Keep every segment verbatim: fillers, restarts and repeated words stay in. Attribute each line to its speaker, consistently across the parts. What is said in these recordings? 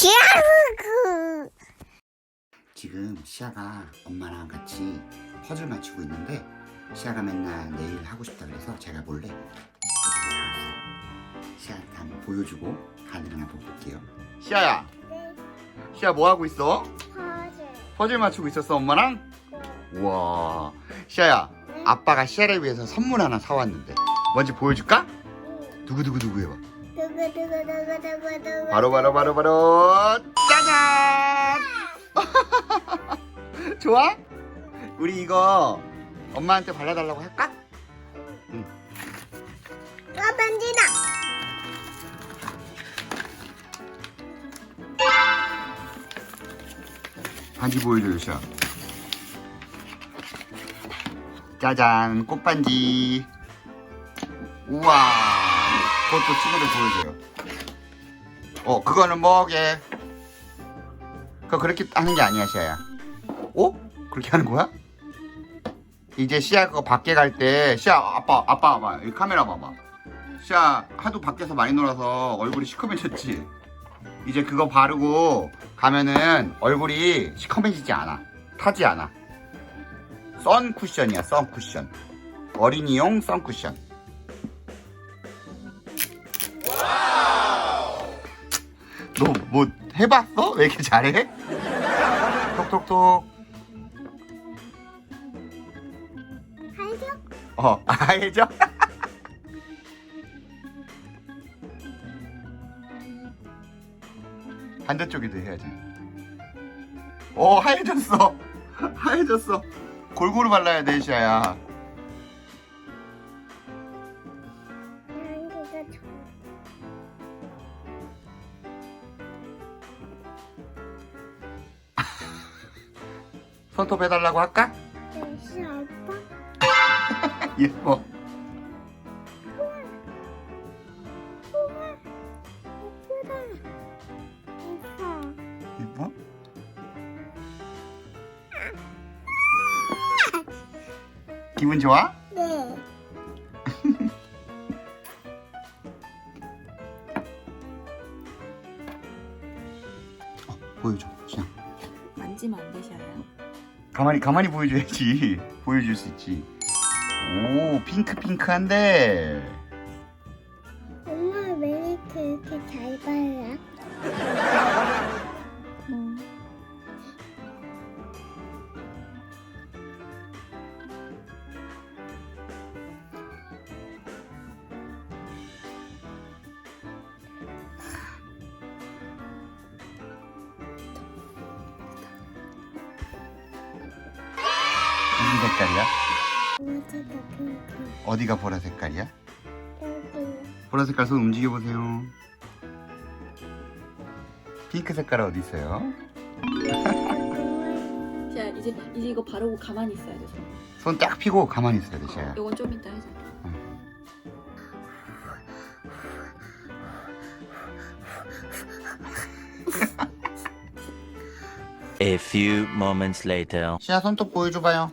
Speaker 1: 시아르그.
Speaker 2: 지금 시아가 엄마랑 같이 퍼즐 맞추고 있는데 시아가 맨날 내일 하고 싶다 그래서 제가 몰래 시아한테 한번 보여주고 반응을 한번 볼게요. 시아야,
Speaker 1: 네,
Speaker 2: 시아 뭐 하고 있어?
Speaker 1: 퍼즐.
Speaker 2: 퍼즐 맞추고 있었어 엄마랑? 우와, 시아야,
Speaker 1: 네.
Speaker 2: 아빠가 시아를 위해서 선물 하나 사왔는데 먼저 보여줄까?
Speaker 1: 응.
Speaker 2: 두구두구두구 해봐.
Speaker 1: 두구두구두구두구두구.
Speaker 2: 바로 바로 바로 바로 짜잔! 좋아? 우리 이거 엄마한테 발라달라고 할까? 응.
Speaker 1: 아, 반지다.
Speaker 2: 반지 보여줘요, 시아. 짜잔, 꽃반지. 우와, 그것도 친구들 보여줘요. 어, 그거는 뭐게? 그거 그렇게 하는 게 아니야, 시아야. 어? 그렇게 하는 거야? 이제 시아 그거 밖에 갈 때, 시아, 아빠, 아빠 봐봐. 여기 카메라 봐봐. 시아 하도 밖에서 많이 놀아서 얼굴이 시커매졌지? 이제 그거 바르고 가면은 얼굴이 시커매지지 않아. 타지 않아. 선 쿠션이야, 선 쿠션. 어린이용 선 쿠션. 너 뭐 해봤어? 왜 이렇게 잘해? 톡톡톡.
Speaker 1: 알죠?
Speaker 2: 어, 알죠? 반대쪽에도 해야지. 오, 하얘졌어. 하얘졌어. 골고루 발라야 돼, 시아야.
Speaker 1: 양기가 좋아.
Speaker 2: 손톱 해달라고 할까?
Speaker 1: 역시 아빠.
Speaker 2: 예뻐.
Speaker 1: 우와. 우와. 예쁘다. 예뻐.
Speaker 2: 예뻐? 기분 좋아?
Speaker 1: 네.
Speaker 2: 어, 보여줘, 시아.
Speaker 3: 만지면 안 되셔요.
Speaker 2: 가만히 가만히 보여줘야지. 보여줄 수 있지. 오, 핑크 핑크한데.
Speaker 1: 엄마 왜 이렇게 이렇게 잘 발라?
Speaker 3: 음.
Speaker 2: 무슨 색깔이야?
Speaker 1: 보라색과 핑크.
Speaker 2: 어디가 보라 색깔이야?
Speaker 1: 여기.
Speaker 2: 보라 색깔 손 움직여 보세요. 핑크 색깔 어디 있어요?
Speaker 3: 자, 이제 이제 이거 바르고 가만히 있어야 돼. 손.
Speaker 2: 손 딱 펴고 가만히 있어야 돼, 시아야.
Speaker 3: 이건 좀 이따 해줘.
Speaker 4: A few moments later.
Speaker 2: 시아 손톱 보여줘봐요.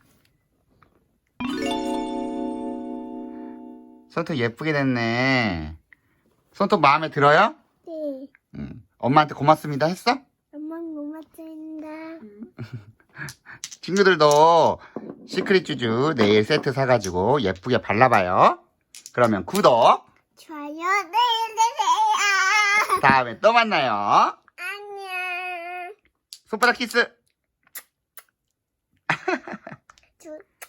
Speaker 2: 손톱 예쁘게 됐네. 손톱 마음에 들어요?
Speaker 1: 네.
Speaker 2: 응. 엄마한테 고맙습니다 했어?
Speaker 1: 엄마 고맙습니다.
Speaker 2: 친구들도 시크릿 쭈쭈 네일 세트 사가지고 예쁘게 발라봐요. 그러면 구독,
Speaker 1: 좋아요 내려주세요.
Speaker 2: 다음에 또 만나요.
Speaker 1: 안녕.
Speaker 2: 손바닥 키스.
Speaker 1: 주,